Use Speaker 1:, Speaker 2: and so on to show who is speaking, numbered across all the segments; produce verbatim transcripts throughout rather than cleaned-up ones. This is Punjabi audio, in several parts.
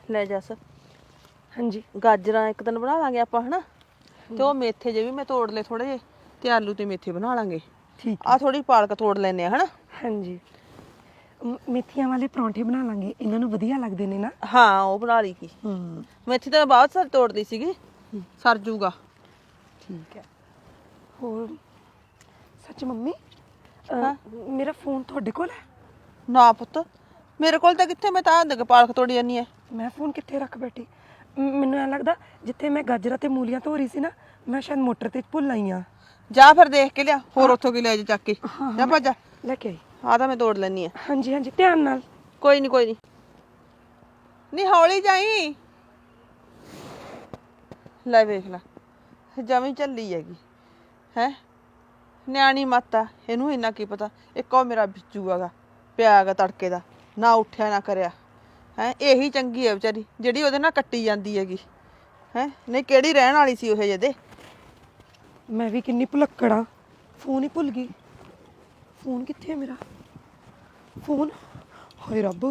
Speaker 1: ਲੈ ਜੱਸ
Speaker 2: ਹਾਂਜੀ
Speaker 1: ਗਾਜਰਾਂ ਇੱਕ ਦਿਨ ਬਣਾ ਲਾਂਗੇ ਆਪਾਂ ਹਨਾ ਤੇ ਉਹ ਮੇਥੇ ਜੇ ਵੀ ਮੈਂ ਤੋੜ ਲਏ ਥੋੜੇ ਜਿਹੇ ਤੇ ਆਲੂ ਤੇ ਮੇਥੇ ਬਣਾ ਲਾਂਗੇ।
Speaker 2: ਠੀਕ
Speaker 1: ਆ ਥੋੜੀ ਪਾਲਕ ਤੋੜ ਲੈਨੇ ਆ ਹਨਾ।
Speaker 2: ਹਾਂਜੀ ਮ- ਮੇਥੀਆਂ ਵਾਲੇ ਪਰੌਂਠੇ ਬਣਾ ਲਾਂਗੇ, ਇਹਨਾਂ ਨੂੰ ਵਧੀਆ ਲੱਗਦੇ ਨੇ ਨਾ।
Speaker 1: ਹਾਂ ਉਹ ਬਣਾ ਲਈ ਕੀ
Speaker 2: ਹੂੰ
Speaker 1: ਮੇਥੀ ਤਾਂ ਮੈਂ ਬਹੁਤ ਸਾਰੀ ਤੋੜਦੀ ਸੀਗੀ ਸਰ ਜੂਗਾ।
Speaker 2: ਠੀਕ ਹੈ। ਹੋਰ ਸੱਚ ਮੰਮੀ ਅਹ,
Speaker 1: ਹਾਂ?
Speaker 2: ਮੇਰਾ ਫੋਨ ਤੁਹਾਡੇ ਕੋਲ ਹੈ?
Speaker 1: ਨਾ ਪੁੱਤ ਮੇਰੇ ਕੋਲ ਤਾਂ ਕਿੱਥੇ, ਮੈਂ ਤਾਂ ਦੇਖ ਪਾਲਕ ਤੋੜੀ ਜਾਨੀ ਐ।
Speaker 2: ਮੈਂ ਫੋਨ ਕਿੱਥੇ ਰੱਖ ਬੈਠੀ? ਮ- ਮੈਨੂੰ ਐਂ ਲੱਗਦਾ ਜਿੱਥੇ ਮੈਂ ਗਾਜਰਾਂ ਤੇ ਮੂਲੀਆਂ ਧੋ ਰਹੀ ਸੀ ਨਾ, ਮੈਂ ਸ਼ਾਇਦ ਮੋਟਰ ਤੇ ਭੁੱਲ ਆਈ ਆ।
Speaker 1: ਜਾ ਫਿਰ ਦੇਖ ਕੇ ਲਿਆ, ਹੋਰ ਉੱਥੋਂ ਕੀ ਲੈ ਜਾ ਚੱਕ ਕੇ। ਜਾ ਭੱਜ ਜਾ,
Speaker 2: ਲੈ ਕੇ ਆਈ।
Speaker 1: ਆ ਤਾਂ ਮੈਂ ਤੋੜ ਲੈਣੀ ਆ।
Speaker 2: ਹਾਂਜੀ ਹਾਂਜੀ ਧਿਆਨ ਨਾਲ।
Speaker 1: ਕੋਈ ਨਹੀਂ ਕੋਈ ਨਹੀਂ ਨਹੀਂ ਹੌਲੀ ਜਾਈ। ਲੈ ਵੇਖ ਲੈ ਜਮੀ ਝੱਲੀ ਹੈਗੀ ਹੈ, ਨਿਆਣੀ ਮਾਤਾ ਇਹਨੂੰ ਇੰਨਾ ਕੀ ਪਤਾ। ਇੱਕ ਉਹ ਮੇਰਾ ਬਿੱਜੂ ਹੈਗਾ ਪਿਆ ਹੈਗਾ ਤੜਕੇ ਦਾ, ਨਾ ਉੱਠਿਆ ਨਾ ਕਰਿਆ ਹੈ। ਇਹੀ ਚੰਗੀ ਹੈ ਵਿਚਾਰੀ ਜਿਹੜੀ ਉਹਦੇ ਨਾਲ ਕੱਟੀ ਜਾਂਦੀ ਹੈਗੀ ਹੈ, ਨਹੀਂ ਕਿਹੜੀ ਰਹਿਣ ਵਾਲੀ ਸੀ ਉਹ ਜਿਹਦੇ।
Speaker 2: ਮੈਂ ਵੀ ਕਿੰਨੀ ਭੁਲੱਕੜ ਆ, ਫੋਨ ਹੀ ਭੁੱਲ ਗਈ। ਫੋਨ ਕਿੱਥੇ ਹੈ ਮੇਰਾ? ਫੋਨ ਹਾਏ ਰੱਬ।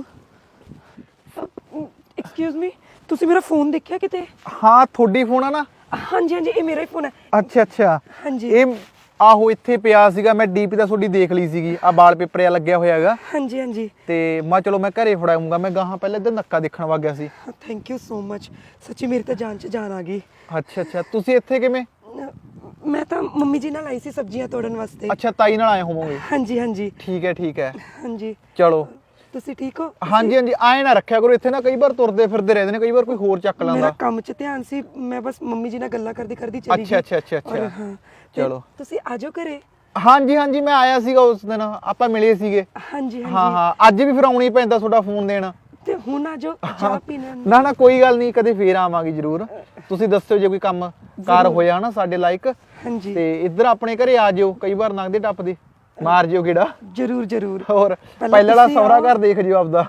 Speaker 2: ਐਕਸਕਿਊਜ਼ ਮੀ, ਤੁਸੀਂ ਮੇਰਾ ਫੋਨ ਦੇਖਿਆ ਕਿਤੇ?
Speaker 3: ਹਾਂ ਤੁਹਾਡੀ ਫੋਨ ਆ ਨਾ?
Speaker 2: ਹਾਂਜੀ ਹਾਂਜੀ ਇਹ ਮੇਰਾ ਹੀ ਫੋਨ ਹੈ।
Speaker 3: ਅੱਛਾ ਅੱਛਾ
Speaker 2: ਹਾਂਜੀ
Speaker 3: ਇਹ ਆਹੋ ਇੱਥੇ ਪਿਆ ਸੀਗਾ, ਮੈਂ ਡੀਪੀ ਤਾਂ ਤੁਹਾਡੀ ਦੇਖ ਲਈ ਸੀਗੀ, ਆ ਵਾਲ ਪੇਪਰ ਆ ਲੱਗਿਆ ਹੋਇਆ ਹੈਗਾ
Speaker 2: ਹਾਂਜੀ ਹਾਂਜੀ
Speaker 3: ਤੇ ਮੈਂ ਚਲੋ ਮੈਂ ਘਰੇ ਫੜਾਉਂਗਾ। ਮੈਂ ਗਾਹਾਂ ਪਹਿਲਾਂ ਇੱਧਰ ਨੱਕਾ ਦੇਖਣ ਵਗ ਗਿਆ ਸੀ।
Speaker 2: ਥੈਂਕ ਯੂ ਸੋ ਮਚ, ਸੱਚੀ ਮੇਰੀ ਤਾਂ ਜਾਨ 'ਚ ਜਾਨ ਆ ਗਈ।
Speaker 3: ਅੱਛਾ ਅੱਛਾ ਤੁਸੀਂ ਇੱਥੇ ਕਿਵੇਂ?
Speaker 2: ਅਹ, ਮੈਂ ਤਾਂ ਮੰਮੀ ਜੀ ਨਾਲ ਆਈ ਸੀ ਸਬਜ਼ੀਆਂ ਤੋੜਨ ਵਾਸਤੇ।
Speaker 3: ਅੱਛਾ ਤਾਈ ਨਾਲ ਆਏ ਹੋਵੋਗੇ।
Speaker 2: ਹਾਂਜੀ ਹਾਂਜੀ
Speaker 3: ਠੀਕ ਹੈ ਠੀਕ ਹੈ
Speaker 2: ਹਾਂਜੀ।
Speaker 3: ਚਲੋ।
Speaker 2: ਤੁਸੀਂ ਠੀਕ ਹੋ?
Speaker 3: ਹਾਂਜੀ ਹਾਂਜੀ ਆਏ ਨਾ ਰੱਖਿਆ ਕਰੋ ਇੱਥੇ ਨਾ, ਕਈ ਵਾਰ ਤੁਰਦੇ ਫਿਰਦੇ ਰਹਿੰਦੇ ਨੇ, ਕਈ ਵਾਰ ਕੋਈ ਹੋਰ ਚੱਕ
Speaker 2: ਮੇਰਾ
Speaker 3: ਲੈਂਦਾ।
Speaker 2: ਕੰਮ 'ਚ ਧਿਆਨ ਸੀ, ਮੈਂ ਬਸ ਮੰਮੀ ਜੀ ਨਾਲ ਗੱਲਾਂ ਕਰਦੀ ਕਰਦੀ ਚਲੀ ਗਈ।
Speaker 3: ਅੱਛਾ ਅੱਛਾ ਅੱਛਾ
Speaker 2: ਔਰ
Speaker 3: ਅੱਛਾ
Speaker 2: ਹਾਂ ਤੇ
Speaker 3: ਚਲੋ।
Speaker 2: ਤੁਸੀਂ ਆਜੋ ਘਰੇ।
Speaker 3: ਹਾਂਜੀ ਹਾਂਜੀ ਮੈਂ ਆਇਆ ਸੀਗਾ ਉਸ ਦਿਨ, ਆਪਾਂ ਮਿਲੇ ਸੀਗੇ।
Speaker 2: ਹਾਂਜੀ
Speaker 3: ਹਾਂ
Speaker 2: ਹਾਂਜੀ
Speaker 3: ਹਾਂ ਅੱਜ ਵੀ ਫਿਰ ਆਉਣਾ ਹੀ ਪੈਂਦਾ ਤੁਹਾਡਾ ਫੋਨ ਦੇਣ।
Speaker 2: ਤੇ ਹੁਣ ਆਜੋ ਚਾਹ ਪੀਣਾ।
Speaker 3: ਨਾ ਨਾ ਕੋਈ ਗੱਲ ਨਹੀਂ, ਕਦੇ ਫੇਰ ਆਵਾਂਗੇ ਜ਼ਰੂਰ। ਤੁਸੀਂ ਦੱਸਿਓ ਜੇ ਕੋਈ ਕੰਮ ਕਾਰ ਹੋਇਆ ਨਾ ਸਾਡੇ ਲਾਇਕ
Speaker 2: ਹਾਂਜੀ
Speaker 3: ਤੇ ਇੱਧਰ ਆਪਣੇ ਘਰੇ ਆ ਜਿਓ, ਕਈ ਵਾਰ ਲੰਘਦੇ ਟੱਪਦੇ ਮਾਰ ਜਿਓ ਗੇੜਾ।
Speaker 2: ਜਰੂਰ ਜਰੂਰ।
Speaker 3: ਹੋਰ
Speaker 2: ਪਹਿਲਾਂ
Speaker 3: ਪਹਿਲਾਂ ਵਾਲਾ
Speaker 2: ਤੁਸੀਂ
Speaker 3: ਸਹੁਰਾ
Speaker 2: ਆਓ।
Speaker 3: ਘਰ ਦੇਖ ਜਿਓ ਆਪਦਾ।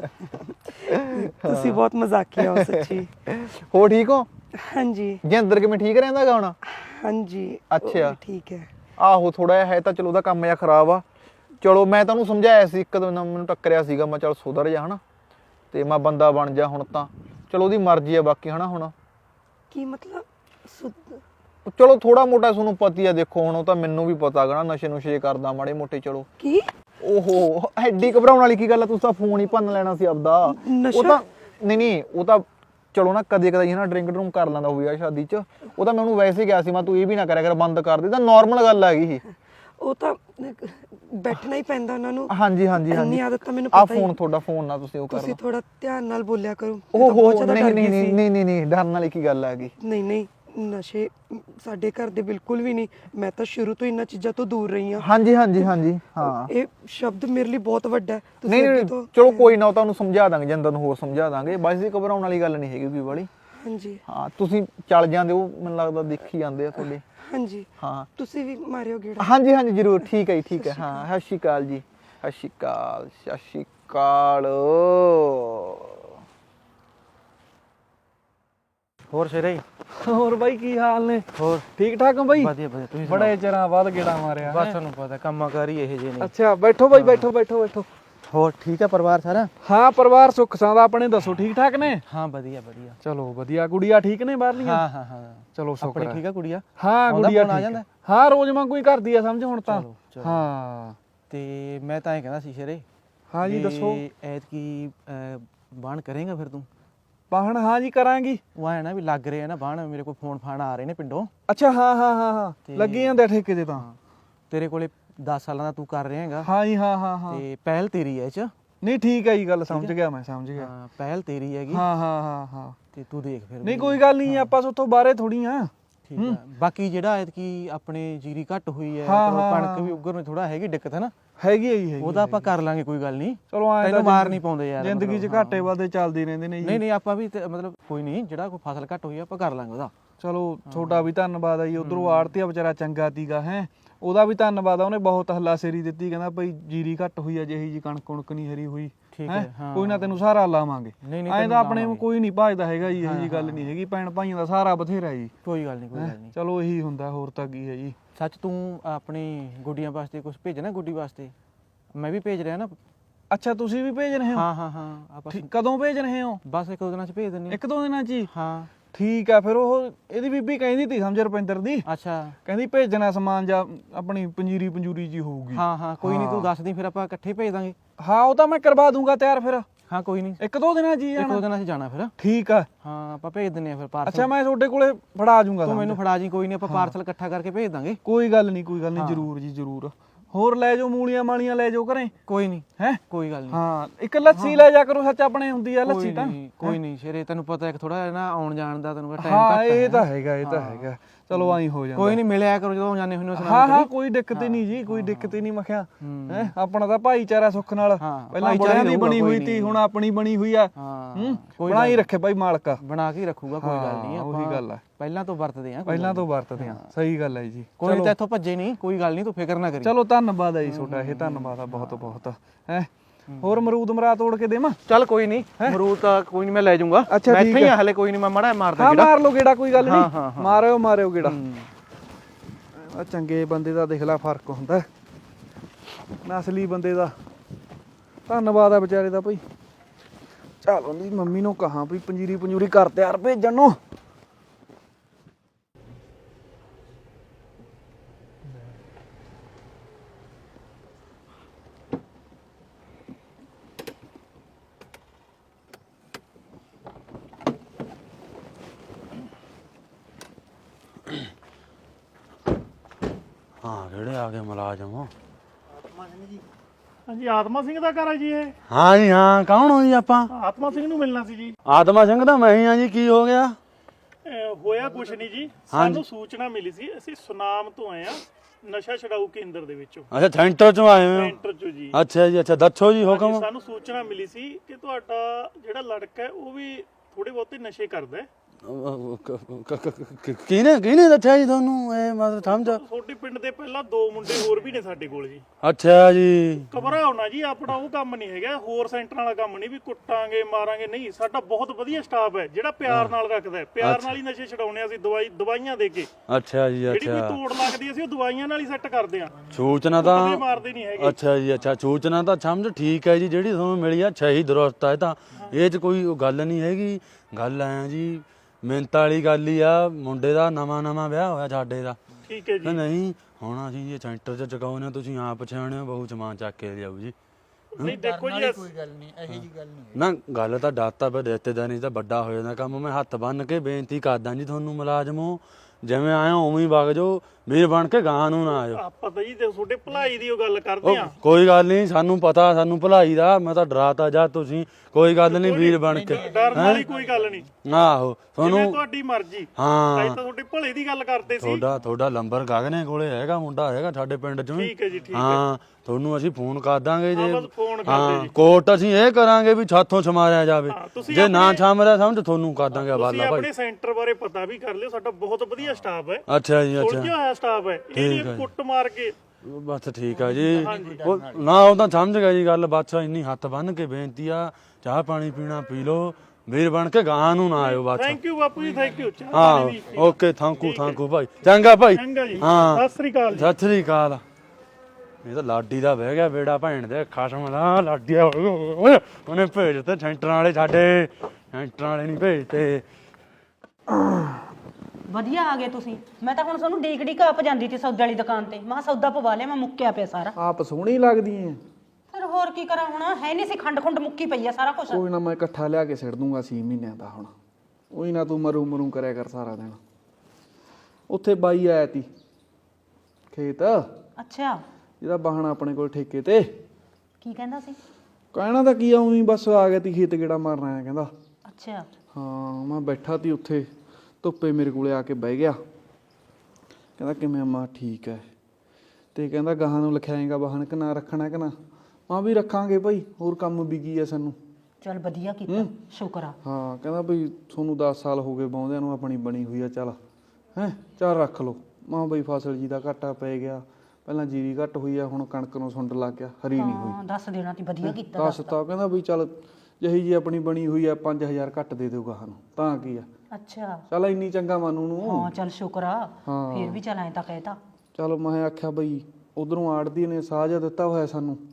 Speaker 2: ਤੁਸੀਂ ਬਹੁਤ ਮਜ਼ਾਕੀਆ ਹੋ ਸੱਚੀ।
Speaker 3: ਹੋ ਠੀਕ ਹੋ?
Speaker 2: ਹਾਂਜੀ
Speaker 3: ਜੇ ਅੰਦਰ ਕਿਵੇਂ ਠੀਕ ਰਹਿੰਦਾਗਾ ਹੁਣ?
Speaker 2: ਹਾਂਜੀ ਉਹ
Speaker 3: ਅੱਛਾ।
Speaker 2: ਵੀ ਠੀਕ ਹੈ।
Speaker 3: ਆਹੋ ਥੋੜਾ ਜਿਹਾ ਹੈ ਤਾਂ ਚਲੋ ਉਹਦਾ ਕੰਮ ਜਿਹਾ ਖਰਾਬ ਆ। ਚਲੋ ਮੈਂ ਤੁਹਾਨੂੰ ਸਮਝਾਇਆ ਸੀ ਇੱਕ ਦਿਨ ਮੈਨੂੰ ਟੱਕਰਿਆ ਸੀਗਾ, ਮੈਂ ਚਲ ਸੁਧਰ ਜਾ ਹਨਾ ਤੇ ਮੈਂ ਬੰਦਾ ਬਣ ਜਾ। ਹੁਣ ਤਾਂ ਚਲੋ ਉਹਦੀ ਮਰਜ਼ੀ ਆ ਬਾਕੀ ਹਨਾ। ਹੁਣ
Speaker 2: ਕੀ ਮਤਲਬ? ਸੁਧ
Speaker 3: ਚਲੋ ਥੋੜਾ ਮੋਟਾ ਤੁਹਾਨੂੰ ਪਤੀ ਆ, ਦੇਖੋ ਹੁਣ ਉਹ ਤਾਂ ਮੈਨੂੰ ਵੀ ਪਤਾ ਹੈਗਾ ਨਾ ਨਸ਼ੇ ਨੁਸ਼ੇ ਕਰਦਾ ਮਾੜੇ ਮੋਟੇ। ਚਲੋ
Speaker 2: ਕੀ?
Speaker 3: ਓਹੋ ਐਡੀ ਘਬਰਾਉਣ ਵਾਲੀ ਕੀ ਗੱਲ ਆ, ਤੁਸੀਂ ਤਾਂ ਫੋਨ ਹੀ ਭੰਨ ਲੈਣਾ ਸੀ ਆਪਦਾ। ਉਹ
Speaker 2: ਨਸ਼ਾ?
Speaker 3: ਤਾਂ ਨਹੀਂ ਨਹੀਂ ਉਹ ਤਾਂ ਚਲੋ ਨਾ ਕਦੇ ਕਦੇ ਨਾ ਡਰਿੰਕ ਡਰੂਮ ਕਰ ਲੈਂਦਾ ਹੋਊਗਾ ਸ਼ਾਦੀ 'ਚ। ਉਹ ਤਾਂ ਮੈਂ ਉਹਨੂੰ ਵੈਸੇ ਹੀ ਕਿਹਾ ਸੀ, ਮੈਂ ਤੂੰ ਇਹ ਵੀ ਨਾ ਕਰਿਆ ਕਰ, ਬੰਦ ਕਰ ਦੇ। ਤਾਂ ਨਾਰਮਲ ਗੱਲ ਹੈਗੀ।
Speaker 2: ਉਹ ਤਾਂ ਬੈਠਣਾ ਹੀ ਪੈਂਦਾ ਉਹਨਾਂ ਨੂੰ।
Speaker 3: ਹਾਂਜੀ ਹਾਂਜੀ
Speaker 2: ਇੰਨੀ
Speaker 3: ਹਾਂਜੀ
Speaker 2: ਆਦਤ ਤਾਂ ਮੈਨੂੰ
Speaker 3: ਆ
Speaker 2: ਪਤਾ ਹੀ।
Speaker 3: ਫੋਨ ਤੁਹਾਡਾ ਫੋਨ ਨਾ ਤੁਸੀਂ ਉਹ ਕਰ
Speaker 2: ਤੁਸੀਂ ਥੋੜਾ ਧਿਆਨ ਨਾਲ ਬੋਲਿਆ ਕਰੋ। ਮੈਂ ਤਾਂ
Speaker 3: ਓਹੋ
Speaker 2: ਬਹੁਤ ਜ਼ਿਆਦਾ
Speaker 3: ਨਹੀਂ
Speaker 2: ਡਰ
Speaker 3: ਨਹੀਂ
Speaker 2: ਗਈ
Speaker 3: ਨਹੀਂ
Speaker 2: ਸੀ।
Speaker 3: ਨਹੀਂ ਨਹੀਂ ਨਹੀਂ ਡਰਨ ਵਾਲੀ ਕੀ ਗੱਲ ਹੈਗੀ।
Speaker 2: ਨਹੀਂ ਨਹੀਂ ਨਸ਼ੇ ਸਾਡੇ ਘਰ ਦੇ ਬਿਲਕੁਲ ਵੀ ਨਹੀਂ। ਮੈਂ ਤਾਂ ਸ਼ੁਰੂ ਤੋਂ ਇਹਨਾਂ ਚੀਜ਼ਾਂ ਤੋਂ ਦੂਰ ਰਹੀ ਹਾਂ।
Speaker 3: ਹਾਂਜੀ ਹਾਂਜੀ ਹਾਂਜੀ ਹਾਂ
Speaker 2: ਇਹ ਸ਼ਬਦ ਮੇਰੇ ਲਈ ਬਹੁਤ ਵੱਡਾ ਹੈ। ਤੁਸੀਂ
Speaker 3: ਨਹੀਂ
Speaker 2: ਅੱਗੇ
Speaker 3: ਨਹੀਂ
Speaker 2: ਤੋਂ
Speaker 3: ਚਲੋ ਕੋਈ ਨਾ, ਉਹ ਤੁਹਾਨੂੰ ਸਮਝਾ ਦਾਂਗੇ, ਜਿੰਦਰ ਨੂੰ ਹੋਰ ਸਮਝਾ ਦਾਂਗੇ। ਬਸ ਇਹ ਘਬਰਾਉਣ ਵਾਲੀ ਗੱਲ ਨਹੀਂ ਹੈਗੀ ਕੋਈ ਵਾਲੀ।
Speaker 2: ਹਾਂਜੀ
Speaker 3: ਹਾਂ ਤੁਸੀਂ ਚੱਲ ਜਾਂਦੇ ਹੋ, ਮੈਨੂੰ ਲੱਗਦਾ ਦੇਖੀ ਜਾਂਦੇ ਆ ਤੁਹਾਡੇ।
Speaker 2: ਹਾਂਜੀ
Speaker 3: ਹਾਂ
Speaker 2: ਤੁਸੀਂ ਵੀ ਮਾਰਿਓ ਗੇੜਾ।
Speaker 3: ਹਾਂਜੀ ਹਾਂਜੀ ਜ਼ਰੂਰ ਠੀਕ ਹੈ ਜੀ ਠੀਕ ਹੈ। ਹਾਂ ਸਤਿ ਸ਼੍ਰੀ ਅਕਾਲ ਜੀ। ਸਤਿ ਸ਼੍ਰੀ ਅਕਾਲ ਸਤਿ ਸ਼੍ਰੀ ਅਕਾਲ।
Speaker 4: ਹੋਰ ਸ਼ੇਰੇ
Speaker 5: ਹੋਰ ਬਾਈ ਕੀ ਹਾਲ ਨੇ?
Speaker 4: ਹੋਰ
Speaker 5: ਠੀਕ ਠਾਕ ਹੋ ਬਾਈ?
Speaker 4: ਵਧੀਆ ਵਧੀਆ ਤੁਸੀਂ
Speaker 5: ਬੜੇ ਚਿਰਾਂ ਬਾਅਦ ਗੇੜਾ ਮਾਰਿਆ।
Speaker 4: ਬਸ ਤੁਹਾਨੂੰ ਪਤਾ ਕੰਮਾਂ ਕਾਰ ਹੀ ਇਹ ਜੇ ਨੇ।
Speaker 5: ਅੱਛਾ ਬੈਠੋ ਬਾਈ ਬੈਠੋ ਬੈਠੋ ਬੈਠੋ।
Speaker 4: ਹੋਰ ਠੀਕ ਆ ਪਰਿਵਾਰ ਸਾਰਾ?
Speaker 5: ਹਾਂ ਪਰਿਵਾਰ ਸੁੱਖ ਸਾਂਦ ਆਪਣੇ ਦੱਸੋ ਠੀਕ ਠਾਕ ਨੇ?
Speaker 4: ਹਾਂ ਵਧੀਆ ਵਧੀਆ।
Speaker 5: ਚਲੋ ਵਧੀਆ। ਗੁੜੀਆ ਠੀਕ ਨੇ ਬਾਹਰਲੀਆਂ?
Speaker 4: ਹਾਂ ਹਾਂ ਹਾਂ
Speaker 5: ਚਲੋ ਸ਼ੁਕਰ
Speaker 4: ਆਪਣੇ
Speaker 5: ਹੈ।
Speaker 4: ਠੀਕ ਆ ਕੁੜੀਆ?
Speaker 5: ਹਾਂ
Speaker 4: ਆਉਂਦਾ
Speaker 5: ਗੁੜੀਆ
Speaker 4: phone ਆ
Speaker 5: ਠੀਕ
Speaker 4: ਜਾਂਦਾ?
Speaker 5: ਹੈ। ਹਾਂ ਰੋਜ਼ ਵਾਂਗੂ ਹੀ ਕਰਦੀ ਆ ਸਮਝ ਹੁਣ ਤਾਂ।
Speaker 4: ਚਲੋ, ਚਲੋ।
Speaker 5: ਹਾਂ
Speaker 4: ਤੇ ਮੈਂ ਤਾਂ ਐਂ ਕਹਿੰਦਾ ਸੀ ਸ਼ੇਰੇ।
Speaker 5: ਹਾਂ ਜੀ ਦੱਸੋ।
Speaker 4: ਐਤਕੀ ਬਾਣ ਕਰੇਗਾ ਫਿਰ ਤੂੰ?
Speaker 5: ਬਾਹਣ ਹਾਂ ਜੀ ਕਰਾਂਗੀ।
Speaker 4: ਉਹ ਐ ਨਾ ਵੀ ਲੱਗ ਰਿਹਾ ਨਾ ਬਾਣ, ਮੇਰੇ ਕੋਲ ਫੋਨ ਫਾਨ ਆ ਰਹੇ ਨੇ ਪਿੰਡੋਂ।
Speaker 5: ਅੱਛਾ ਹਾਂ ਹਾਂ ਹਾਂ ਹਾਂ
Speaker 4: ਤੇ-
Speaker 5: ਲੱਗੇ ਜਾਂਦੇ ਠੇਕੇ ਤੇ ਤਾਂ।
Speaker 4: ਤੇਰੇ ਕੋਲੇ ਦਸ ਸਾਲਾਂ ਦਾ ਤੂੰ ਕਰ ਰਿਹਾ ਹੈਗਾ
Speaker 5: ਹਾਂ ਜੀ ਹਾਂ ਹਾਂ ਹਾਂ
Speaker 4: ਤੇ ਪਹਿਲ ਤੇਰੀ ਐ ਇਹ ਚ।
Speaker 5: ਨਹੀਂ ਠੀਕ ਹੈ ਜੀ ਗੱਲ ਸਮਝ ਗਿਆ ਮੈਂ ਸਮਝ ਗਿਆ।
Speaker 4: ਹਾਂ ਪਹਿਲ ਤੇਰੀ ਹੈਗੀ
Speaker 5: ਹਾਂ ਹਾਂ ਹਾਂ ਹਾਂ
Speaker 4: ਤੇ ਤੂੰ ਦੇਖ ਫਿਰ।
Speaker 5: ਨਹੀਂ ਕੋਈ ਗੱਲ ਨਹੀਂ ਆਪਾਂ ਉੱਥੋਂ ਬਾਹਰੇ ਥੋੜੀ ਆ।
Speaker 4: ਠੀਕ ਆ। ਬਾਕੀ ਜਿਹੜਾ ਐਤਕੀ ਆਪਣੇ ਜੀਰੀ ਘੱਟ ਹੋਈ ਹੈ,
Speaker 5: ਹਾਂ,
Speaker 4: ਚਲੋ
Speaker 5: ਹਾਂ,
Speaker 4: ਕਣਕ
Speaker 5: ਹਾਂ।
Speaker 4: ਵੀ ਉੱਗਰ ਨੂੰ ਥੋੜਾ ਹੈਗੀ ਦਿੱਕਤ ਹੈ ਨਾ,
Speaker 5: ਹੈਗੀ ਹੈ ਜੀ ਹੈਗੀ
Speaker 4: ਉਹਦਾ ਆਪਾਂ ਕਰ ਲਾਂਗੇ ਕੋਈ ਗੱਲ ਨਹੀਂ।
Speaker 5: ਚਲੋ ਐਂ
Speaker 4: ਤੈਨੂੰ
Speaker 5: ਤਾਂ
Speaker 4: ਮਾਰ ਨਹੀਂ ਪਾਉਂਦੇ ਯਾਰ।
Speaker 5: ਜ਼ਿੰਦਗੀ 'ਚ
Speaker 4: ਮਤਲਬ,
Speaker 5: ਘਾਟੇ
Speaker 4: ਹਾਂ।
Speaker 5: ਵਾਧੇ ਚੱਲਦੇ ਰਹਿੰਦੇ ਨੇ ਜੀ।
Speaker 4: ਨਹੀਂ ਨਹੀਂ ਆਪਾਂ ਵੀ ਤੇ ਮਤਲਬ ਕੋਈ ਨਹੀਂ, ਜਿਹੜਾ ਕੋਈ ਫਸਲ ਘੱਟ ਹੋਈ ਆ ਆਪਾਂ ਕਰ ਲਾਂਗੇ ਉਹਦਾ।
Speaker 5: ਚਲੋ ਤੁਹਾਡਾ ਵੀ ਧੰਨਵਾਦ ਆ ਜੀ। ਉਧਰੋਂ ਆੜਤੀਆ ਵਿਚਾਰਾ ਚੰਗਾ ਤੀਗਾ ਹੈ, ਉਹਦਾ ਵੀ ਧੰਨਵਾਦ ਆ। ਉਹਨੇ ਬਹੁਤ ਹੱਲਾਸ਼ੇਰੀ ਦਿੱਤੀ, ਕਹਿੰਦਾ ਭਾਈ ਜੀਰੀ ਘੱਟ ਹੋਈ ਆ, ਜਿਹੀ ਜੀ ਕਣਕ ਕੁਣਕ ਨਹੀਂ ਹਰੀ ਹੋਈ।
Speaker 4: ਠੀਕ
Speaker 5: ਹੈਂ?
Speaker 4: ਹੈ ਹਾਂ।
Speaker 5: ਕੋਈ ਨਾ ਤੈਨੂੰ ਸਹਾਰਾ ਲਾਵਾਂਗੇ।
Speaker 4: ਨਹੀਂ ਨਹੀਂ
Speaker 5: ਐਂ
Speaker 4: ਤੈਨੂੰ
Speaker 5: ਤਾਂ ਆਪਣੇ
Speaker 4: ਲਾਵਾਂਗੇ।
Speaker 5: ਕੋਈ ਨਹੀਂ ਭਾਜਦਾ ਹੈਗਾ ਜੀ, ਇਹੋ ਜੀ ਗੱਲ ਨਹੀਂ ਹੈਗੀ। ਭੈਣ ਭਾਈਆਂ ਦਾ ਸਹਾਰਾ ਬਥੇਰਾ ਜੀ।
Speaker 4: ਕੋਈ ਗੱਲ ਨਹੀਂ ਕੋਈ ਗੱਲ ਨਹੀਂ।
Speaker 5: ਚਲੋ ਇਹੀ ਹੁੰਦਾ, ਹੋਰ ਤਾਂ ਕੀ ਹੈ ਜੀ।
Speaker 4: ਸੱਚ ਤੂੰ ਆਪਣੀ ਗੁੱਡੀਆਂ ਵਾਸਤੇ ਕੁਝ ਭੇਜਣਾ? ਗੁੱਡੀ ਵਾਸਤੇ ਮੈਂ ਵੀ ਭੇਜ ਰਿਹਾ ਨਾ
Speaker 5: ਅੱਛਾ ਤੁਸੀਂ ਵੀ ਭੇਜ ਰਹੇ ਹੋ?
Speaker 4: ਹਾਂ ਹਾਂ ਹਾਂ ਆਪਾਂ
Speaker 5: ਠੀਕ, ਕਦੋਂ ਭੇਜ ਰਹੇ ਹੋ?
Speaker 4: ਬਸ ਇੱਕ ਦੋ ਦਿਨਾਂ ਚ ਭੇਜ ਦਿੰਨੇ
Speaker 5: ਇੱਕ ਦੋ ਦਿਨਾਂ 'ਚ ਹੀ?
Speaker 4: ਹਾਂ
Speaker 5: ਠੀਕ ਆ। ਫਿਰ ਉਹ ਇਹਦੀ ਬੀਬੀ ਕਹਿੰਦੀ ਤੀ ਸਮਝ ਰੁਪਿੰਦਰ ਦੀ,
Speaker 4: ਅੱਛਾ
Speaker 5: ਕਹਿੰਦੀ ਭੇਜਣਾ ਸਮਾਨ ਜਾਂ ਆਪਣੀ ਪੰਜੀਰੀ ਪੰਜੂਰੀ ਜੀ ਹੋਊਗੀ।
Speaker 4: ਹਾਂ ਹਾਂ ਕੋਈ ਨਹੀਂ
Speaker 5: ਹਾਂ।
Speaker 4: ਤੂੰ ਦੱਸ ਦੀ ਫਿਰ ਆਪਾਂ ਇਕੱਠੇ ਭੇਜ ਦਾਂਗੇ।
Speaker 5: ਹਾਂ ਉਹ ਤਾਂ ਮੈਂ ਕਰਵਾ ਦੂੰਗਾ ਤਿਆਰ ਫਿਰ।
Speaker 4: ਹਾਂ ਕੋਈ ਨਹੀਂ
Speaker 5: ਇੱਕ ਦੋ ਦਿਨਾਂ 'ਚ ਹੀ
Speaker 4: ਇੱਕ ਦੋ
Speaker 5: ਜਾਣਾ?
Speaker 4: ਦਿਨਾਂ ਚ ਜਾਣਾ ਫਿਰ।
Speaker 5: ਠੀਕ ਆ।
Speaker 4: ਹਾਂ ਆਪਾਂ ਭੇਜ ਦਿੰਨੇ ਆ ਫਿਰ ਪਾਰਸਲ।
Speaker 5: ਅੱਛਾ ਮੈਂ ਤੁਹਾਡੇ ਕੋਲੇ ਫੜਾ ਜੂੰਗਾ।
Speaker 4: ਤੂੰ ਮੈਨੂੰ ਫੜਾ ਜੀ, ਕੋਈ ਨਹੀਂ ਆਪਾਂ ਪਾਰਸਲ ਇਕੱਠਾ ਕਰਕੇ ਭੇਜ ਦਾਂਗੇ।
Speaker 5: ਕੋਈ ਗੱਲ ਨਹੀਂ ਕੋਈ ਗੱਲ ਨਹੀਂ, ਜ਼ਰੂਰ ਜੀ ਜ਼ਰੂਰ। ਹੋਰ ਲੈ ਜਾਓ ਮੂਲੀਆਂ ਮਾਲੀਆਂ ਲੈ ਜਾਓ ਘਰੇ।
Speaker 4: ਕੋਈ ਨਹੀਂ
Speaker 5: ਹੈ
Speaker 4: ਕੋਈ ਗੱਲ ਨਹੀਂ।
Speaker 5: ਹਾਂ ਇੱਕ ਲੱਸੀ ਲੈ ਜਾ ਕਰੋ, ਸੱਚ ਆਪਣੇ ਹੁੰਦੀ ਆ ਲੱਸੀ ਤਾਂ।
Speaker 4: ਕੋਈ ਨਹੀਂ ਸ਼ੇਰੇ, ਤੈਨੂੰ ਪਤਾ ਇੱਕ ਥੋੜਾ ਨਾ ਆਉਣ ਜਾਣ ਦਾ ਤੈਨੂੰ ਟਾਈਮ
Speaker 5: ਹਾਂ
Speaker 4: ਘੱਟ
Speaker 5: ਇਹ ਤਾਂ ਹੈਗਾ ਇਹ ਤਾਂ ਹੈਗਾ। ਚਲੋ ਆਈ ਹੋ ਜਾਂਦਾ।
Speaker 4: ਕੋਈ ਨਹੀਂ ਮਿਲਿਆ ਕਰੋ ਜਦੋਂ ਜਾਂਦੇ ਹੁੰਦੇ ਹੋ।
Speaker 5: ਹਾਂ ਹਾਂ ਕੋਈ ਦਿੱਕਤ ਹੀ ਨਹੀਂ ਜੀ, ਕੋਈ ਦਿੱਕਤ ਹੀ ਨਹੀਂ। ਮੈਂ ਕਿਹਾ ਹੈ ਆਪਣਾ ਤਾਂ ਭਾਈਚਾਰਾ ਸੁੱਖ ਨਾਲ
Speaker 4: ਹਾਂ,
Speaker 5: ਪਹਿਲਾਂ
Speaker 4: ਭਾਈਚਾਰਾ
Speaker 5: ਬੜਿਆਂ ਦੀ
Speaker 4: ਰਹੂਗਾ,
Speaker 5: ਬਣੀ ਹੋਈ
Speaker 4: ਕੋਈ
Speaker 5: ਤੀ,
Speaker 4: ਨਹੀਂ।
Speaker 5: ਹੁਣ ਆਪਣੀ ਬਣੀ ਹੋਈ ਆ।
Speaker 4: ਹਾਂ
Speaker 5: ਹੂੰ
Speaker 4: ਕੋਈ
Speaker 5: ਬਣਾਈ ਰੱਖੇ ਭਾਈ ਮਾਲਕ।
Speaker 4: ਬਣਾ ਕੇ ਹੀ ਰੱਖੂਗਾ, ਕੋਈ ਗੱਲ ਨਹੀਂ।
Speaker 5: ਹਾਂ, ਉਹੀ ਗੱਲ ਆ।
Speaker 4: ਪਹਿਲਾਂ ਤੋਂ ਵਰਤਦੇ ਆ,
Speaker 5: ਪਹਿਲਾਂ ਤੋਂ ਵਰਤਦੇ ਆ। ਸਹੀ ਗੱਲ ਹੈ ਜੀ।
Speaker 4: ਕੋਈ ਤਾਂ ਇੱਥੋਂ ਭੱਜੇ ਨਹੀਂ, ਕੋਈ ਗੱਲ ਨਹੀਂ, ਤੂੰ ਫਿਕਰ ਨਾ ਕਰੀ।
Speaker 5: ਚਲੋ ਧੰਨਵਾਦ ਹੈ ਜੀ ਤੁਹਾਡਾ, ਇਹ ਧੰਨਵਾਦ ਆ ਬਹੁਤ ਬਹੁਤ। ਹੈ ਹੋਰ ਮਰੂਦ ਮਰਾ ਤੋੜ ਕੇ ਦੇਵਾਂ?
Speaker 4: ਚੱਲ ਕੋਈ ਨਹੀਂ, ਮਰੂਦ ਤਾਂ ਕੋਈ ਨਹੀਂ ਮੈਂ ਲੈ ਜਾਊਂਗਾ।
Speaker 5: ਅੱਛਾ,
Speaker 4: ਮੈਂ
Speaker 5: ਠੀਕ
Speaker 4: ਇੱਥੇ ਹੀ
Speaker 5: ਆ।
Speaker 4: ਆ ਹਲੇ, ਕੋਈ ਨਹੀਂ ਮੈਂ ਮਾੜਾ ਜਿਹਾ ਮਾਰਦਾ
Speaker 5: ਹਾਂ
Speaker 4: ਗੇੜਾ।
Speaker 5: ਮਾਰ ਲਓ ਗੇੜਾ, ਕੋਈ ਗੱਲ
Speaker 4: ਹਾਂ,
Speaker 5: ਨਹੀਂ।
Speaker 4: ਹਾਂ, ਹਾਂ।
Speaker 5: ਮਾਰਿਓ ਮਾਰਿਓ ਗੇੜਾ।
Speaker 4: ਹੂੰ।
Speaker 5: ਆ ਚੰਗੇ ਬੰਦੇ ਦਾ ਦੇਖ ਲੈ ਫਰਕ ਹੁੰਦਾ, ਨਸਲੀ ਬੰਦੇ ਦਾ। ਧੰਨਵਾਦ ਆ ਵਿਚਾਰੇ ਦਾ ਭਾਈ। ਚੱਲ ਉਹਦੀ ਮੰਮੀ ਨੂੰ ਕਹਾਂ ਵੀ ਪੰਜੀਰੀ ਪੰਜੂਰੀ ਕਰ ਤਿਆਰ ਭੇਜਣ ਨੂੰ।
Speaker 6: ਹਾਂ ਕਿਹੜੇ ਆ ਗਏ ਮੁਲਾਜ਼ਮ?
Speaker 7: ਹਾਂਜੀ ਆਤਮਾ ਸਿੰਘ ਦਾ ਘਰ ਹੈ ਜੀ ਇਹ?
Speaker 6: ਹਾਂ ਜੀ ਹਾਂ, ਕੌਣ ਹੋ ਜੀ ਆਪਾਂ?
Speaker 7: ਆਤਮਾ ਸਿੰਘ ਨੂੰ ਮਿਲਣਾ ਸੀ ਜੀ।
Speaker 6: ਆਤਮਾ ਸਿੰਘ ਦਾ ਮੈਂ ਹੀ ਆ ਜੀ, ਕੀ ਹੋ ਗਿਆ?
Speaker 7: ਅਹ ਹੋਇਆ ਕੁਛ ਨਹੀਂ ਜੀ, ਸਾਨੂੰ ਸੂਚਨਾ ਮਿਲੀ ਸੀ, ਅਸੀਂ ਸੁਨਾਮ ਤੋਂ ਆਏ ਆ, ਨਸ਼ਾ ਛਡਾਊ ਕੇਂਦਰ ਦੇ ਵਿੱਚੋਂ,
Speaker 6: ਅੱਛਾ ਸੈਂਟਰ ਚੋਂ ਆਏ ਹੋ?
Speaker 7: ਸੈਂਟਰ ਚੋਂ ਜੀ।
Speaker 6: ਅੱਛਾ ਜੀ ਅੱਛਾ, ਦੱਸੋ ਜੀ ਹੁਕਮ।
Speaker 7: ਹਾਂਜੀ, ਸਾਨੂੰ ਸੂਚਨਾ ਮਿਲੀ ਸੀ ਕਿ ਤੁਹਾਡਾ ਜਿਹੜਾ ਲੜਕਾ ਹੈ ਉਹ ਵੀ ਥੋੜੇ ਬਹੁਤੇ ਨਸ਼ੇ ਕਰਦਾ ਹੈ।
Speaker 6: ਕਿਹਨੇ ਕਿਹਨੇ ਦੱਸਿਆ ਜੀ ਤੁਹਾਨੂੰ ਇਹ ਮਤਲਬ ਸਮਝ?
Speaker 7: ਤੁਹਾਡੇ ਪਿੰਡ ਦੇ ਪਹਿਲਾਂ ਦੋ ਮੁੰਡੇ ਹੋਰ ਵੀ ਨੇ ਸਾਡੇ ਕੋਲ ਜੀ।
Speaker 6: ਅੱਛਾ ਜੀ।
Speaker 7: ਘਬਰਾਓ ਨਾ ਜੀ, ਆਪਣਾ ਉਹ ਕੰਮ ਨਹੀਂ ਹੈਗਾ ਹੋਰ ਸੈਂਟਰ ਵਾਲਾ ਕੰਮ ਨਹੀਂ ਵੀ ਕੁੱਟਾਂਗੇ ਮਾਰਾਂਗੇ, ਨਹੀਂ। ਸਾਡਾ ਬਹੁਤ ਵਧੀਆ ਸਟਾਫ ਹੈ ਜਿਹੜਾ ਪਿਆਰ ਨਾਲ ਰੱਖਦਾ ਹੈ, ਪਿਆਰ ਨਾਲ ਹੀ ਨਸ਼ੇ ਛਡਾਉਣੇ ਅਸੀਂ, ਦਵਾਈ ਦਵਾਈਆਂ ਦੇ ਕੇ।
Speaker 6: ਅੱਛਾ ਜੀ
Speaker 7: ਜਿਹੜੀ
Speaker 6: ਅੱਛਾ,
Speaker 7: ਕੋਈ ਤੋੜ ਲੱਗਦੀ ਅਸੀਂ ਉਹ ਦਵਾਈਆਂ ਨਾਲ ਹੀ ਸੈੱਟ ਕਰਦੇ ਆ,
Speaker 6: ਸੂਚਨਾ
Speaker 7: ਕਦੇ
Speaker 6: ਤਾਂ
Speaker 7: ਮਾਰਦੇ ਨਹੀਂ ਹੈਗੇ।
Speaker 6: ਅੱਛਾ ਜੀ ਅੱਛਾ, ਸੂਚਨਾ ਤਾਂ ਸਮਝ ਠੀਕ ਹੈ ਜੀ, ਜਿਹੜੀ ਤੁਹਾਨੂੰ ਮਿਲੀ ਆ ਸਹੀ ਦਰੁਸਤ ਹੈ, ਤਾਂ ਇਹ 'ਚ ਕੋਈ ਗੱਲ ਨਹੀਂ ਹੈਗੀ। ਗੱਲ ਆਇਆ ਜੀ ਮਿਹਨਤ ਵਾਲੀ ਗੱਲ ਹੀ ਆ, ਮੁੰਡੇ ਦਾ ਨਵਾਂ ਨਵਾਂ ਵਿਆਹ ਹੋਇਆ ਸਾਡੇ ਦਾ।
Speaker 7: ਠੀਕ ਹੈ ਜੀ।
Speaker 6: ਨਹੀਂ ਹੁਣ ਅਸੀਂ ਇਹ ਸੈਂਟਰ 'ਚ ਚੁਕਾਉਣੇ, ਤੁਸੀਂ ਆਪ ਪਛਾਣਿਓ, ਬਹੁਤ ਸਮਾਨ ਚੱਕ ਕੇ ਲਿਆਓ ਜੀ।
Speaker 7: ਨਹੀਂ ਦੇਖੋ ਜੀ,
Speaker 8: ਕੋਈ ਗੱਲ ਨਹੀਂ, ਇਹੋ ਜੀ ਗੱਲ ਨਹੀਂ।
Speaker 6: ਨਾ ਗੱਲ ਤਾਂ ਡਾਤਾ ਪਰ ਰਿਸ਼ਤੇਦਾਰੀ ਤਾਂ ਵੱਡਾ ਹੋ ਜਾਂਦਾ ਕੰਮ। ਮੈਂ ਹੱਥ ਬੰਨ ਕੇ ਬੇਨਤੀ ਕਰਦਾ ਜੀ ਤੁਹਾਨੂੰ ਮੁਲਾਜ਼ਮੋ, ਜਿਵੇਂ ਆਏ ਉਵੇਂ ਹੀ ਵਗ ਜਾਓ, ਵੀਰ ਬਣ ਕੇ ਗਾਂ ਨੂੰ ਨਾ ਆਇਓ।
Speaker 7: ਆਪਾਂ ਤਾਂ ਜੀ ਤੁਹਾਡੇ ਭਲਾਈ ਦੀ ਉਹ ਗੱਲ ਕਰਦੇ ਆ।
Speaker 6: ਕੋਈ ਗੱਲ ਨਹੀਂ, ਸਾਨੂੰ ਪਤਾ, ਸਾਨੂੰ ਭਲਾਈ ਦਾ। ਮੈਂ ਤਾਂ ਡਰਾਤਾ ਜਾ, ਤੁਸੀਂ ਕੋਈ ਗੱਲ ਨਹੀਂ ਵੀਰ ਬਣ ਕੇ।
Speaker 7: ਡਰਨ ਵਾਲੀ ਕੋਈ ਗੱਲ ਨਹੀਂ,
Speaker 6: ਆਹੋ
Speaker 7: ਜਿਵੇਂ
Speaker 6: ਤੁਹਾਨੂੰ
Speaker 7: ਤੁਹਾਡੀ ਮਰਜ਼ੀ।
Speaker 6: ਹਾਂ
Speaker 7: ਅਸੀਂ ਤਾਂ ਤੁਹਾਡੇ ਭਲੇ ਦੀ ਗੱਲ ਕਰਦੇ ਸੀ।
Speaker 6: ਤੁਹਾਡਾ ਤੁਹਾਡਾ ਲੰਬਰ ਗਗਨੇ ਕੋਲੇ ਹੈਗਾ, ਮੁੰਡਾ ਹੈਗਾ ਸਾਡੇ ਪਿੰਡ ਚੋਂ ਹੀ।
Speaker 7: ਠੀਕ ਹੈ ਜੀ, ਠੀਕ ਹੈ।
Speaker 6: ਹਾਂ ਤੁਹਾਨੂੰ ਅਸੀਂ ਫੋਨ ਕਰ ਦਾਂਗੇ
Speaker 7: ਹਾਂ,
Speaker 6: ਜੇ
Speaker 7: ਬਸ ਫੋਨ ਕਰ
Speaker 6: ਹਾਂ
Speaker 7: ਦਿਓ ਜੀ।
Speaker 6: ਕੋਰਟ ਅਸੀਂ ਇਹ ਕਰਾਂਗੇ ਵੀ ਛਾਥੋਂ ਛਮਾਰਿਆ ਜਾਵੇ,
Speaker 7: ਹਾਂ, ਤੁਸੀਂ
Speaker 6: ਜੇ ਨਾ
Speaker 7: ਆਪਣੇ-
Speaker 6: ਛਾਮਰਿਆ ਸਮਝ ਤੁਹਾਨੂੰ ਕਰ ਦਾਂਗੇ
Speaker 7: ਤੁਸੀਂ
Speaker 6: ਹਵਾਲਾ
Speaker 7: ਆਪਣੇ
Speaker 6: ਭਾਈ।
Speaker 7: ਸੈਂਟਰ ਬਾਰੇ ਪਤਾ ਵੀ ਕਰ ਲਿਓ, ਸਾਡਾ ਬਹੁਤ ਵਧੀਆ ਸਟਾਫ ਹੈ,
Speaker 6: ਅੱਛਾ ਜੀ ਅੱਛਾ,
Speaker 7: ਸੁਲਝਿਆ ਹੋਇਆ ਸਟਾਫ ਹੈ। ਇਹ
Speaker 6: ਠੀਕ ਹੈ।
Speaker 7: ਨਹੀਂ ਕੁੱਟ ਮਾਰ ਕੇ।
Speaker 6: ਬਸ ਠੀਕ ਆ ਜੀ। ਉਹ ਨਾ ਉਹ ਤਾਂ ਸਮਝ ਗਿਆ ਜੀ ਗੱਲ, ਬਸ ਇੰਨੀ ਹੱਥ ਬੰਨ ਕੇ ਬੇਨਤੀ ਆ, ਚਾਹ ਪਾਣੀ ਪੀਣਾ ਪੀ ਲਓ, ਵੀਰ ਬਣ ਕੇ ਗਾਂ ਨੂੰ ਨਾ ਆਇਓ ਬਸ।
Speaker 7: ਥੈਂਕ ਯੂ ਬਾਪੂ ਜੀ, ਥੈਂਕ ਯੂ।
Speaker 6: ਹਾਂ ਓਕੇ, ਥੈਂਕੂ ਥੈਂਕੂ ਭਾਈ, ਚੰਗਾ ਭਾਈ।
Speaker 7: ਚੰਗਾ ਜੀ,
Speaker 6: ਹਾਂ
Speaker 7: ਸਤਿ ਸ੍ਰੀ ਅਕਾਲ ਜੀ।
Speaker 6: ਸਤਿ ਸ੍ਰੀ ਅਕਾਲ। ਇਹ ਤਾਂ ਲਾਡੀ ਦਾ ਬਹਿ ਗਿਆ ਬੇੜਾ ਭੈਣ ਦੇ ਖਸਮ ਦਾ। ਲਾਡੀ ਆ, ਓਏ ਉਹਨੇ ਭੇਜ ਤੇ ਸੈਂਟਰ ਵਾਲੇ, ਸਾਡੇ ਸੈਂਟਰ ਵਾਲੇ ਨਹੀਂ ਭੇਜਤੇ।
Speaker 9: ਵਧੀਆ ਆ ਗਏ ਤੁਸੀਂ। ਮੈਂ ਤਾਂ ਹੁਣ ਤੁਹਾਨੂੰ ਡੀਕ ਡੀਕ ਆਪ ਜਾਂਦੀ ਸੀ ਸੌਦੇ ਵਾਲੀ ਦੁਕਾਨ ਤੇ, ਮੈਂ ਕਿਹਾ ਸੌਦਾ ਪਵਾ ਲਿਆ, ਮੈਂ ਮੁੱਕਿਆ ਪਿਆ ਸਾਰਾ।
Speaker 5: ਆਪ ਸੋਹਣੀ ਲੱਗਦੀ ਐ।
Speaker 9: ਫਿਰ ਹੋਰ ਕੀ ਕਰਾਂ, ਹੁਣ ਹੈ ਨਹੀਂ ਸੀ, ਖੰਡ ਖੁੰਡ ਮੁੱਕੀ ਪਈ ਆ ਸਾਰਾ ਕੁਝ।
Speaker 5: ਕੋਈ ਨਾ ਮੈਂ ਇਕੱਠਾ ਲਿਆ ਕੇ ਸਿੱਟ ਦੂੰਗਾ ਛੇ ਮਹੀਨਿਆਂ ਦਾ। ਹੁਣ ਉਹੀ ਨਾ ਤੂੰ ਮਰੂ ਮਰੂ ਕਰਿਆ ਕਰ ਸਾਰਾ ਦਿਨ। ਉੱਥੇ ਬਾਈ ਆਇਆ ਤੀ ਖੇਤ,
Speaker 9: ਅੱਛਾ
Speaker 5: ਜਿਹਦਾ ਵਾਹਣ ਆਪਣੇ ਕੋਲ ਠੇਕੇ ਤੇ।
Speaker 9: ਕੀ ਕਹਿੰਦਾ ਸੀ?
Speaker 5: ਕਹਿਣਾ ਤਾਂ ਕੀ ਆ, ਉਹੀ ਬਸ ਆ ਗਿਆ ਤੀ ਖੇਤ ਗੇੜਾ ਮਾਰਨ ਆਇਆ ਕਹਿੰਦਾ।
Speaker 9: ਅੱਛਾ
Speaker 5: ਹਾਂ ਮੈਂ ਬੈਠਾ ਤੀ ਉੱਥੇ ਧੁੱਪੇ, ਮੇਰੇ ਕੋਲੇ ਆ ਕੇ ਬਹਿ ਗਿਆ। ਕਹਿੰਦਾ ਕਿਵੇਂ ਮਾਂ? ਠੀਕ ਹੈ। ਤੇ ਕਹਿੰਦਾ ਗਾਹਾਂ ਨੂੰ ਲਿਖਾਏਗਾ ਵਾਹਣ ਕਿ ਨਾ ਰੱਖਣਾ ਕਿ ਨਾ? ਮਾਂ ਵੀ ਰੱਖਾਂਗੇ ਭਾਈ, ਹੋਰ ਕੰਮ ਵੀ ਕੀ ਆ ਸਾਨੂੰ।
Speaker 9: ਚਲ ਵਧੀਆ ਕੀਤਾ, ਸ਼ੁਕਰ ਆ।
Speaker 5: ਹਾਂ ਕਹਿੰਦਾ ਬਈ ਤੁਹਾਨੂੰ ਦਸ ਸਾਲ ਹੋ ਗਏ ਬਾਉਂਦਿਆਂ ਨੂੰ, ਆਪਣੀ ਬਣੀ ਹੋਈ ਆ, ਚੱਲ ਹੈਂ ਚੱਲ ਰੱਖ ਲਓ। ਮਾਂ ਬਈ ਫਸਲ ਜੀ ਦਾ ਘਾਟਾ ਪੈ ਗਿਆ, ਪਹਿਲਾਂ ਜੀਰੀ ਘੱਟ ਹੋਈ ਆ, ਹੁਣ ਕਣਕ ਨੂੰ ਸੁੰਡ ਲੱਗ ਗਿਆ, ਹਰੀ ਨਹੀਂ ਹੋਈ।
Speaker 9: ਹਾਂ ਦੱਸ ਦੇਣਾ ਤੀ, ਵਧੀਆ ਕੀਤਾ।
Speaker 5: ਦੱਸ ਤਾ ਕਹਿੰਦਾ ਬਈ ਚੱਲ ਜਿਹੀ ਜੀ ਆਪਣੀ ਬਣੀ ਹੋਈ ਆ ਪੰਜ ਹਜ਼ਾਰ ਘੱਟ ਦੇ ਦਿਓ ਗਾਹਾਂ ਨੂੰ, ਤਾਂ ਕੀ ਆ।
Speaker 9: ਅੱਛਾ
Speaker 5: ਚੱਲ ਇੰਨੀ ਚੰਗਾ ਮਾਨੂੰ ਨੂੰ।
Speaker 9: ਹਾਂ ਚੱਲ ਸ਼ੁਕਰ ਆ,
Speaker 5: ਹਾਂ।
Speaker 9: ਫੇਰ ਵੀ ਚੱਲ ਐਂ ਤਾਂ ਕਹਿਤਾ।
Speaker 5: ਚਲ ਮੈਂ ਆਖਿਆ ਬਈ ਉਧਰੋਂ ਆੜਦੀ ਨੇ ਸਾਜਾ ਦਿੱਤਾ ਹੋਇਆ ਸਾਨੂੰ,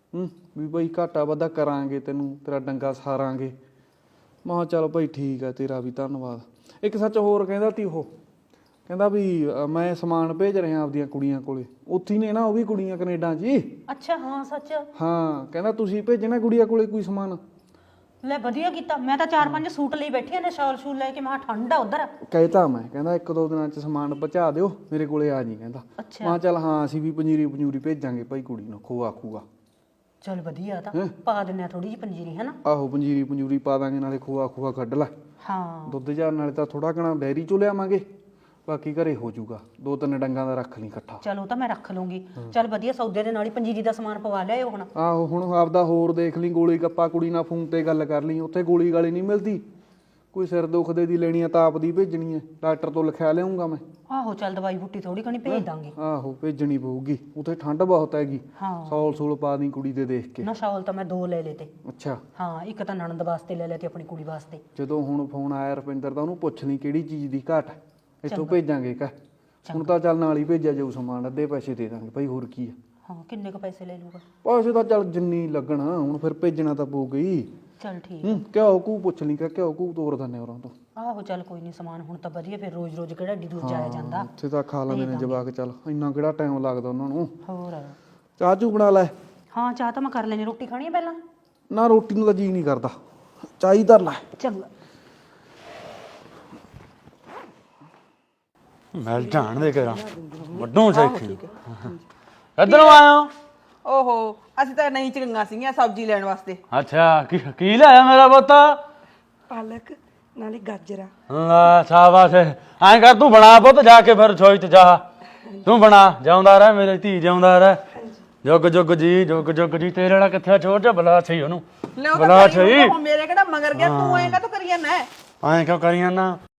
Speaker 5: ਹੂੰ ਵੀ ਭਾਈ ਘਾਟਾ ਵਾਧਾ ਕਰਾਂਗੇ, ਤੈਨੂੰ ਤੇਰਾ ਡੰਗਾ ਸਾਰਾਂਗੇ। ਮੈਂ ਕਿਹਾ ਚੱਲ ਭਾਈ ਠੀਕ ਹੈ, ਤੇਰਾ ਵੀ ਧੰਨਵਾਦ। ਇੱਕ ਸੱਚ ਹੋਰ ਕਹਿੰਦਾ ਤੀ ਉਹ, ਕਹਿੰਦਾ ਵੀ ਅ, ਮੈਂ ਸਮਾਨ ਭੇਜ ਰਿਹਾ ਆਪਦੀਆਂ ਕੁੜੀਆਂ ਕੋਲੇ, ਉੱਥੇ ਹੀ ਨੇ ਨਾ ਉਹ ਵੀ ਕੁੜੀਆਂ ਕੈਨੇਡਾ 'ਚ ਹੀ।
Speaker 9: ਅੱਛਾ ਹਾਂ ਸੱਚ।
Speaker 5: ਹਾਂ ਕਹਿੰਦਾ ਤੁਸੀਂ ਭੇਜਣਾ ਕੁੜੀਆਂ ਕੋਲੇ ਕੋਈ ਸਮਾਨ।
Speaker 9: ਲੈ ਵਧੀਆ ਕੀਤਾ, ਮੈਂ ਤਾਂ ਚਾਰ ਪੰਜ ਸੂਟ ਲਈ ਬੈਠੀ ਆ ਨੇ, ਸ਼ਾਲ ਸ਼ੂਲ ਲੈ ਕੇ। ਮੈਂ ਕਿਹਾ ਠੰਡ ਆ ਉਧਰ।
Speaker 5: ਕਹਿਤਾ ਮੈਂ, ਕਹਿੰਦਾ ਇੱਕ ਦੋ ਦਿਨਾਂ 'ਚ ਸਮਾਨ ਪਹੁੰਚਾ ਦਿਓ ਮੇਰੇ ਕੋਲੇ ਆ ਜੀ ਕਹਿੰਦਾ। ਮੈਂ ਕਿਹਾ ਚੱਲ ਹਾਂ ਅਸੀਂ ਵੀ ਪੰਜੀਰੀ ਪੰਜੂਰੀ ਭੇਜਾਂਗੇ ਭਾਈ ਕੁੜੀ ਨੂੰ, ਖੋਆ ਖੂਆ।
Speaker 9: ਚੱਲ ਵਧੀਆ, ਤਾਂ ਪਾ ਦਿੰਨੇ ਆ ਥੋੜੀ ਜਿਹੀ ਪੰਜੀਰੀ ਹੈ ਨਾ।
Speaker 5: ਆਹੋ ਪੰਜੀਰੀ ਪੰਜੂਰੀ ਪਾ ਦਾਂਗੇ, ਨਾਲੇ ਖੋਆ ਖੂਆ ਕੱਢ ਲੈ।
Speaker 9: ਹਾਂ
Speaker 5: ਦੁੱਧ ਚਾਰ ਨਾਲੇ ਤਾਂ ਥੋੜਾ ਘਣਾ ਡੈਰੀ ਚੋਂ ਲਿਆਵਾਂਗੇ, ਬਾਕੀ ਘਰੇ ਹੋ ਜਾਊਗਾ। ਦੋ ਤਿੰਨ ਡੰਗਾਂ ਦਾ ਰੱਖ ਲਈ ਇਕੱਠਾ।
Speaker 9: ਚਲ ਉਹ ਤਾਂ ਮੈਂ ਰੱਖ ਲੂੰਗੀ। ਚੱਲ ਵਧੀਆ, ਸੌਦੇ ਦੇ ਨਾਲ ਹੀ ਪੰਜੀਰੀ ਦਾ ਸਮਾਨ ਪਵਾ ਲਿਆਇਓ ਹੁਣ।
Speaker 5: ਆਹੋ ਹੁਣ ਆਪਦਾ ਹੋਰ ਦੇਖ ਲਈ, ਗੋਲੀ ਗੱਪਾ ਕੁੜੀ ਨਾਲ ਫੋਨ ਤੇ ਗੱਲ ਕਰ ਲਈ, ਉੱਥੇ ਗੋਲੀ ਗਾਲੀ ਨਹੀਂ ਮਿਲਦੀ। ਕੋਈ ਸਿਰ ਦੁਖਦੇ ਦੀ ਲੈਣੀ ਆ ਤਾਂ ਆਪ ਦੀ ਭੇਜਣੀ ਹੈ, ਡਾਕਟਰ ਤੋਂ ਲਿਖਿਆ ਲਿਆਉਂਗਾ ਮੈਂ।
Speaker 9: ਆਹੋ ਚੱਲ ਦਵਾਈ ਬੂਟੀ ਥੋੜੀ ਘਣੀ ਭੇਜ ਦਾਂਗੇ।
Speaker 5: ਆਹੋ ਭੇਜਣੀ ਪਊਗੀ, ਉੱਥੇ ਠੰਡ ਬਹੁਤ ਹੈਗੀ।
Speaker 9: ਹਾਂ
Speaker 5: ਸੌਲ ਸੂਲ ਪਾ ਦੀ ਕੁੜੀ ਦੇ ਦੇਖ ਕੇ।
Speaker 9: ਨਾ ਸ਼ਾਲ ਤਾਂ ਮੈਂ ਦੋ ਲੈ ਲਏ ਤੇ।
Speaker 5: ਅੱਛਾ
Speaker 9: ਹਾਂ ਇੱਕ ਤਾਂ ਨਣਦ ਵਾਸਤੇ ਲੈ ਲਿਆ ਤੇ ਆਪਣੀ ਕੁੜੀ ਵਾਸਤੇ।
Speaker 5: ਜਦੋਂ ਹੁਣ ਫੋਨ ਆਇਆ ਰੁਪਿੰਦਰ ਦਾ, ਉਹਨੂੰ ਪੁੱਛ ਲਈ ਕਿਹੜੀ ਚੀਜ਼ ਦੀ ਘਾਟ ਹੈ, ਇੱਥੋਂ ਭੇਜਾਂਗੇ ਕਹ। ਹੁਣ ਤਾਂ ਚੱਲ ਨਾਲ ਹੀ ਭੇਜਿਆ ਜਾਊ ਸਮਾਨ, ਅੱਧੇ ਪੈਸੇ ਦੇ ਦਾਂਗੇ ਭਾਈ, ਹੋਰ ਕੀ ਆ।
Speaker 9: ਹਾਂ ਕਿੰਨੇ ਕੁ ਪੈਸੇ ਲੈ ਲੂਗਾ?
Speaker 5: ਪੈਸੇ ਤਾਂ ਚੱਲ ਜਿੰਨੀ ਲੱਗਣਾ, ਹੁਣ ਫਿਰ ਭੇਜਣਾ ਤਾਂ ਪਊ ਗਈ।
Speaker 9: ਚੱਲ ਠੀਕ।
Speaker 5: ਹੂੰ ਘਿਓ ਕੂ ਪੁੱਛ ਲਈ ਕਿ ਘਿਓ ਕੂ ਤੋਰ ਦਿੰਦੇ ਉਹਨਾਂ ਤੋਂ।
Speaker 9: ਆਹੋ ਚੱਲ ਕੋਈ ਨਹੀਂ, ਸਮਾਨ ਹੁਣ ਤਾਂ ਵਧੀਆ, ਫਿਰ ਰੋਜ਼ ਰੋਜ਼ ਕਿਹੜਾ ਏਡੀ ਦੂਰ ਜਾਇਆ ਜਾਂਦਾ।
Speaker 5: ਉੱਥੇ ਤਾਂ ਖਾ ਲੈਂਦੇ ਨੇ ਜਵਾਕ, ਚੱਲ ਇੰਨਾ ਕਿਹੜਾ ਟਾਈਮ ਲੱਗਦਾ ਉਹਨਾਂ ਨੂੰ।
Speaker 9: ਹੋਰ
Speaker 5: ਚਾਹ ਚੂ ਬਣਾ ਲੈ।
Speaker 9: ਹਾਂ ਚਾਹ ਤਾਂ ਮੈਂ ਕਰ ਲੈਣੀ, ਰੋਟੀ ਖਾਣੀ ਹੈ ਪਹਿਲਾਂ?
Speaker 5: ਨਾ ਰੋਟੀ ਨੂੰ ਤਾਂ ਜੀ ਨਹੀਂ ਕਰਦਾ, ਚਾਹ ਹੀ ਧਰ ਲੈ।
Speaker 9: ਚੰਗਾ।
Speaker 6: ਮਿਲ ਜਾਣ ਦੇ ਕਰਾਂ ਵੱਡੋਂ ਸੈਖੀ। ਇੱਧਰੋਂ ਆਇਆ?
Speaker 1: ਓਹੋ ਅਸੀਂ ਤਾਂ ਨਹੀਂ ਚੰਗੀਆਂ ਸੀਗੀਆਂ ਸਬਜ਼ੀ ਲੈਣ ਵਾਸਤੇ।
Speaker 6: ਅੱਛਾ ਕੀ ਕੀ ਲਿਆਇਆ ਮੇਰਾ ਪੁੱਤ?
Speaker 2: ਪਾਲਕ ਨਾਲੇ ਗਾਜਰਾਂ।
Speaker 6: ਲਾ ਸ਼ਾਬਾਸ਼, ਐਂ ਕਰ ਤੂੰ ਬਣਾ ਪੁੱਤ, ਜਾ ਕੇ ਫਿਰ ਰਸੋਈ 'ਚ ਜਾ ਤੂੰ ਬਣਾ। ਜਿਉਂਦਾ ਰਹਿ ਮੇਰੀ ਧੀ, ਜਿਉਂਦਾ ਰਹਿ। ਜੁਗ ਜੁਗ ਜੀ, ਜੁਗ ਜੁਗ ਜੀ। ਤੇਰੇ ਵਾਲਾ ਕਿੱਥੇ ਛੋੜ ਜਾ, ਬੁਲਾ ਸਹੀ ਉਹਨੂੰ, ਬੁਲਾ ਸਹੀ।
Speaker 1: ਮੇਰੇ ਕਿਹੜਾ ਮਗਰ ਗਿਆ, ਤੂੰ ਐਂ ਕਾ ਤੂੰ ਕਰੀ ਜਾਂਦਾ?
Speaker 6: ਐਂ ਕਿਉਂ ਕਰੀ ਜਾਂਦਾ?